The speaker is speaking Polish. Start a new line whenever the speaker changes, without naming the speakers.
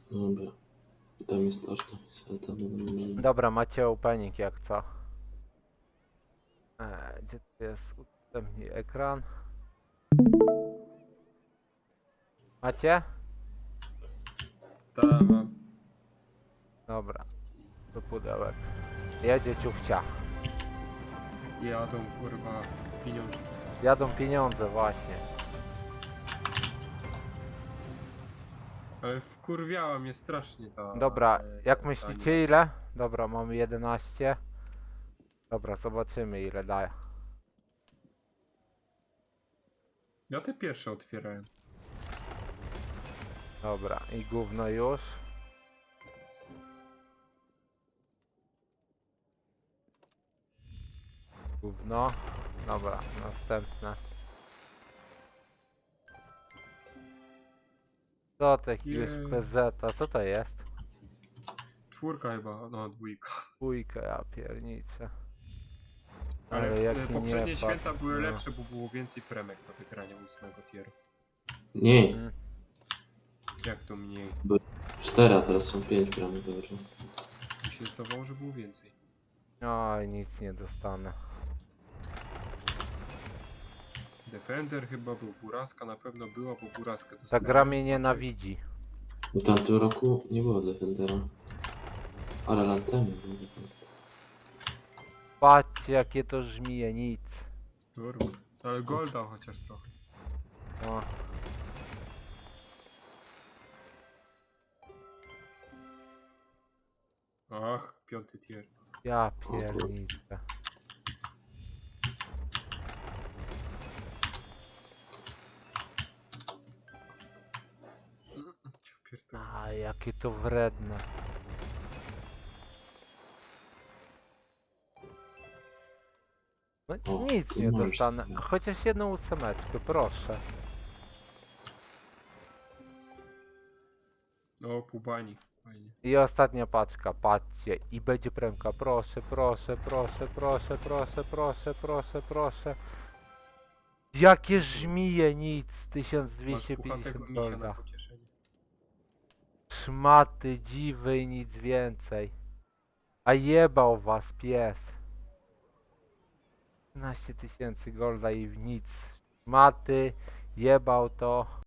Dobra. Tam jest to, tam.
Dobra, macie opening jak co. Gdzie tu jest udostępnij ekran? Macie?
Ta mam.
Dobra, do pudełek. Jedzie ciuchcia.
Jadą kurwa pieniądze.
Jadą pieniądze właśnie.
Ale wkurwiała mnie strasznie ta...
Dobra, jak
ta
myślicie
animacja.
ile? Dobra, mamy 11. Dobra, zobaczymy ile daje.
Ja te pierwsze otwierałem.
Dobra, i gówno już. Gówno. Dobra, następne. Co to jakiegoś
Jej.
PZ-a? Co to jest?
Czwórka chyba, no dwójka.
Dwójka, ja pierniczę.
Ale
Ale jaki
poprzednie
nie
święta
patrz,
były
no.
lepsze, bo było więcej premek do wygrania 8 tieru.
Nie,
Mm.
Jak to mniej?
4, a teraz są 5 bramy, dobrze.
Mi się zdawało, że było więcej.
Oj, nic nie dostanę.
Defender chyba był, Buraska na pewno była, bo Buraskę
Ta
dostałem.
gra mnie
Smaczek.
nienawidzi.
W tamtym roku nie było Defendera. Ale lat temu było.
Patrzcie jakie to żmije, nic.
Kurwa. Ale Golda chociaż trochę.
O,
Ach, 5 tier.
ja pierniczę.
Ja pierdolę.
A jakie to wredne. No
O,
nic
ty
nie
możesz
dostanę.
sobie.
Chociaż jedną ósemeczkę, proszę.
O, pół bani. Fajnie.
I ostatnia paczka, patrzcie. I będzie premka, proszę, proszę, proszę, proszę, proszę, proszę, proszę, proszę. Jakie żmije, nic.
Masz puchatego
1250
misia na
golda.
pocieszenie.
Szmaty, dziwy i nic więcej. A jebał was pies. 13 000 golda i nic. Szmaty, jebał to.